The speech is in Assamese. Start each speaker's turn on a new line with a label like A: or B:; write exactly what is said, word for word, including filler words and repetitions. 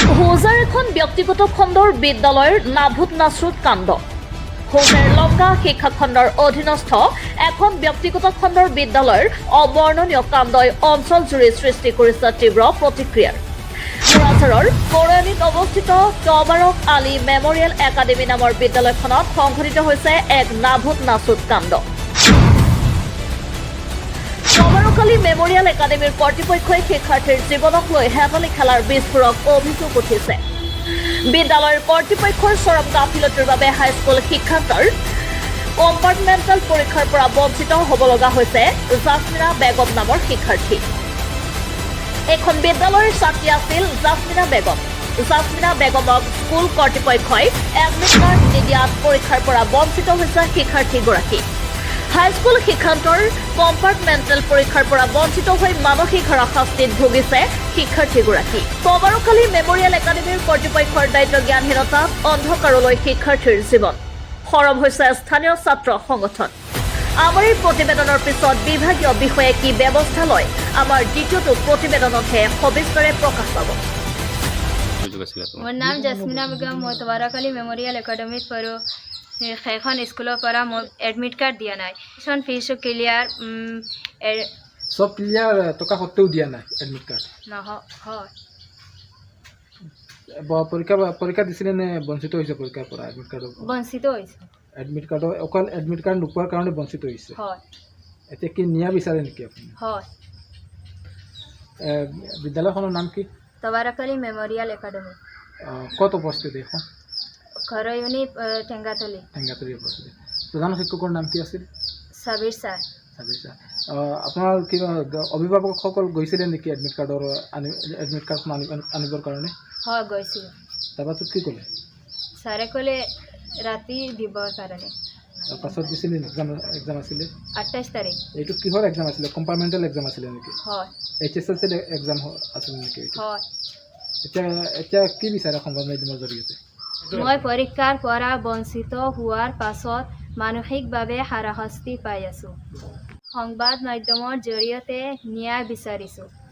A: হোজাৰ এখন ব্যক্তিগত খণ্ডৰ বিদ্যালয়ৰ নাভুত নাচৰুত কাণ্ড। হোজাৰ লংকা শিক্ষা খণ্ডৰ অধীনস্থ এখন ব্যক্তিগত খণ্ডৰ বিদ্যালয়ৰ অবৰ্ণনীয় কাণ্ডই অঞ্চলজুৰি সৃষ্টি কৰিছে তীব্ৰ প্ৰতিক্ৰিয়াৰ। কোৰাঝাৰৰ কৰৈয়ানীত অৱস্থিত তবাৰক আলী মেমৰিয়েল একাডেমী নামৰ বিদ্যালয়খনত সংঘটিত হৈছে এক নাভুত নাচৰুত কাণ্ড। তবাৰক আলী মেমৰিয়েল একাডেমীৰ কৰ্তৃপক্ষই শিক্ষাৰ্থীৰ জীৱনক লৈ হেতালি খেলাৰ বিস্ফোৰক অভিযোগ উঠিছে। বিদ্যালয়ৰ কৰ্তৃপক্ষৰ চৰম গাফিলতিৰ বাবে হাইস্কুল শিক্ষান্তৰ কম্পাৰ্টমেণ্টেল পৰীক্ষাৰ পৰা বঞ্চিত হ'ব লগা হৈছে জাছমিনা বেগম নামৰ শিক্ষাৰ্থী। এখন বিদ্যালয়ৰ ছাত্ৰী আছিল জাছমিনা বেগম। জাছমিনা বেগমক স্কুল কৰ্তৃপক্ষই এডমিট কাৰ্ড নিদিয়াত পৰীক্ষাৰ পৰা বঞ্চিত হৈছে শিক্ষাৰ্থীগৰাকী। হাইস্কুল শিক্ষান্তৰ কম্পাৰ্টমেণ্টেল পৰীক্ষাৰ পৰা বঞ্চিত হৈ মানসিক হাৰাশাস্তিত ভুগিছে শিক্ষাৰ্থীগৰাকী। তবাৰক আলী মেমৰিয়েল একাডেমীৰ কৰ্তৃপক্ষৰ দায়িত্ব জ্ঞানহীনতাত অন্ধকাৰলৈ শিক্ষাৰ্থীৰ জীৱন। সৰব হৈছে স্থানীয় ছাত্ৰ সংগঠন। আমাৰ এই প্ৰতিবেদনৰ পিছত বিভাগীয় বিষয়ে কি ব্যৱস্থা লয় আমাৰ দ্বিতীয়টো প্ৰতিবেদনতহে সবিস্তাৰে প্ৰকাশ পাব।
B: মোৰ নাম জাছমিনা বেগম। মই তবাৰক আলী মেমৰিয়েল একাডেমীত পঢ়োঁ। সেইখন স্কুলৰ পৰা মই এডমিট কাৰ্ড দিয়া নাই। টিউশ্যন ফিজো ক্লিয়াৰ
C: সব ক্লিয়াৰ টকা সত্ত্বেও দিয়া নাই এডমিট কাৰ্ড
B: নহয়।
C: পৰীক্ষা পৰীক্ষা দিছিলে নে বঞ্চিত হৈছে পৰীক্ষাৰ পৰা এডমিট কাৰ্ডৰ
B: বঞ্চিত হৈছে।
C: এডমিট কাৰ্ডৰ অকল এডমিট কাৰ্ড নোপোৱাৰ কাৰণে বঞ্চিত হৈছে।
B: হয়
C: এতিয়া কি নিয়া বিচাৰে নেকি আপুনি?
B: হয়।
C: বিদ্যালয়খনৰ নাম কি?
B: Tabarak Ali memorial academy.
C: ক'ত উপস্থিত এইখন?
B: কৰৈয়ানী টেংগাতলী।
C: টেংগাতলী উপস্থিত। প্ৰধান শিক্ষকৰ নাম কি আছিল?
B: ছাবিৰ ছাৰ।
C: ছাবিৰ ছাৰ। আপোনাৰ কিবা অভিভাৱকসকল গৈছিলে নেকি এডমিট কাৰ্ডৰ আনি এডমিট কাৰ্ডখন আনি আনিবৰ কাৰণে?
B: হয় গৈছিলোঁ।
C: তাৰপাছত কি ক'লে?
B: ছাৰে ক'লে ৰাতি দিবৰ কাৰণে।
C: তাৰপাছত দিছিলে এক্সাম এক্সাম আছিলে
B: আঠাইছ তাৰিখ।
C: এইটো কিহৰ এক্সাম আছিলে? কম্পাৰ্টমেণ্টেল এক্সাম আছিলে নেকি?
B: হয়।
C: H S L C exam আছিলে নেকি এইটো?
B: হয়।
C: এতিয়া এতিয়া কি বিচাৰে সংবাদ মাধ্যমৰ জৰিয়তে?
B: মই পৰীক্ষাৰ পৰা বঞ্চিত হোৱাৰ পাছত মানসিকভাৱে হাৰাশাস্তি পাই আছোঁ। সংবাদ মাধ্যমৰ জৰিয়তে ন্যায় বিচাৰিছোঁ।